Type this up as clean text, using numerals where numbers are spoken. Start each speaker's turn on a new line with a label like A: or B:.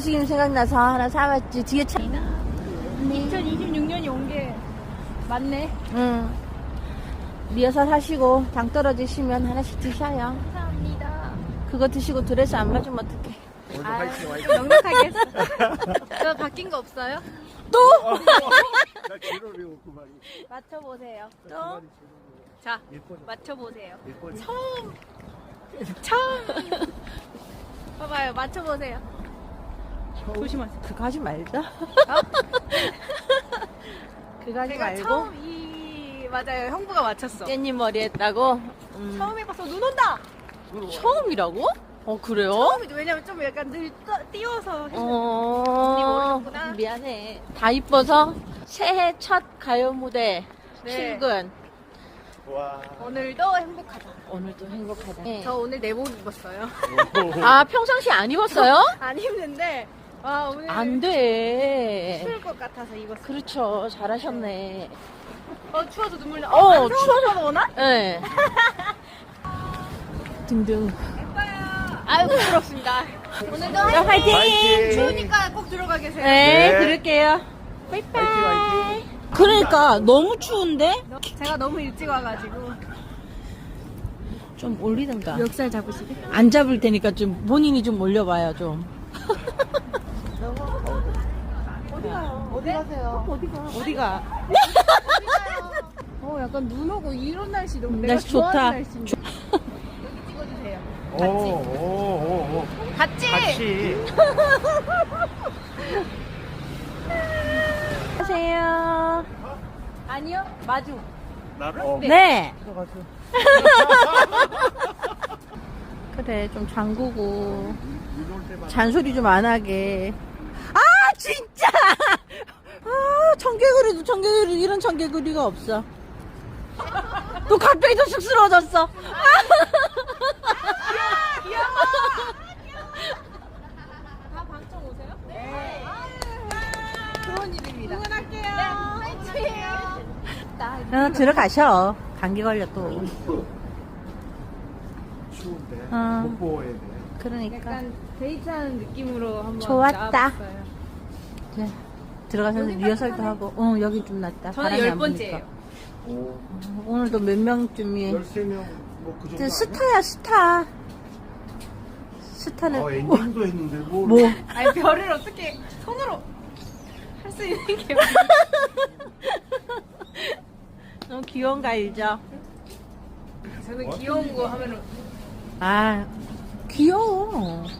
A: 엑스트림 생각나서 하나 사왔지. 뒤에 차.
B: 2026년이 온 게 맞네.
A: 응. 리허설 하시고 당 떨어지시면 하나씩 드셔요.
B: 감사합니다.
A: 그거 드시고 드레스 안 맞으면 어떡해.
C: 오늘도
B: 아,
C: 화이팅 화이팅.
B: 좀 넉넉하게 했어. 저 바뀐 거 없어요?
A: 또?
C: 나 제로 배웠고 말이.
B: 맞춰보세요.
A: 또?
B: 자,
C: 예뻐져.
B: 맞춰보세요.
C: 예뻐져.
B: 처음. 봐봐요, 맞춰보세요. 조심하세요.
A: 그거 하지 말자. 그거 하지
B: 제가
A: 말고.
B: 처음 맞아요. 형부가 맞췄어.
A: 깻잎 머리 했다고?
B: 처음 해봐서 눈 온다!
A: 처음이라고? 그래요?
B: 처음이죠. 왜냐면 좀 약간 늘 띄워서. 언니
A: 어,
B: 모르셨구나.
A: 미안해. 다 이뻐서 새해 첫 가요 무대
B: 네.
A: 출근.
C: 와.
B: 오늘도 행복하다.
A: 오늘도 행복하다.
B: 저 오늘 내복 입었어요.
A: 아, 평상시 안 입었어요?
B: 안 입는데, 와, 오늘
A: 안 돼.
B: 추울 것 같아서 입었어요.
A: 그렇죠. 잘하셨네.
B: 추워서 눈물 나.
A: 추워서
B: 오나?
A: 네. 등등.
B: 예뻐요. 아유, 부끄럽습니다. 오늘도
A: 자, 화이팅!
C: 화이팅!
B: 추우니까 꼭 들어가 계세요.
A: 네,
C: 네.
A: 그럴게요.
C: 화이팅 화이팅.
A: 그러니까 너무 추운데?
B: 제가 너무 일찍 와가지고.
A: 좀 올리든가.
B: 멱살 잡으시게?
A: 안 잡을 테니까 좀 본인이 좀 올려봐요, 좀.
B: 어디 가요? 어디 가세요?
A: 어디가?
B: 약간 눈 오고 이런 날씨 너무
A: 날씨
B: 내가 좋아하는
A: 좋다.
B: 날씨인데. 여기 찍어주세요.
C: 오오오.
B: 같이!
C: 같이.
A: 안녕하세요.
B: 아니요, 마주.
C: 나를?
A: 네.
C: 들어가서.
A: 그래, 좀 잠그고.
C: 눈올 때마다.
A: 잔소리 좀 안 하게. 아, 진짜! 아, 청개구리도 청개구리, 이런 청개구리가 없어. 또 갑자기 또 쑥스러워졌어.
B: 다 방청 오세요? 네. 좋은 일입니다. 응원할게요. 네, 화이팅!
A: 들어가셔. 감기 걸려 또.
C: 추운데.
A: 어.
C: 못 보호해야 돼.
A: 그러니까.
B: 약간 데이트하는 느낌으로 한번
A: 좋았다.
B: 나와봤어요.
A: 그래. 들어가서 리허설도 하고. 여기 좀 낫다.
B: 저는
A: 바람이 안
B: 10번째예요.
C: 오.
A: 부니까. 오늘도 몇 명쯤이.
C: 13명 뭐 그 정도.
A: 스타야, 스타. 스타는.
C: 엔딩도 했는데 뭘.
A: 뭐.
B: 아니, 별을 어떻게 손으로 할 수 있는 게
A: 너무 귀여운 거 알죠?
B: 저는 귀여운 거 하면은
A: 아, 귀여워.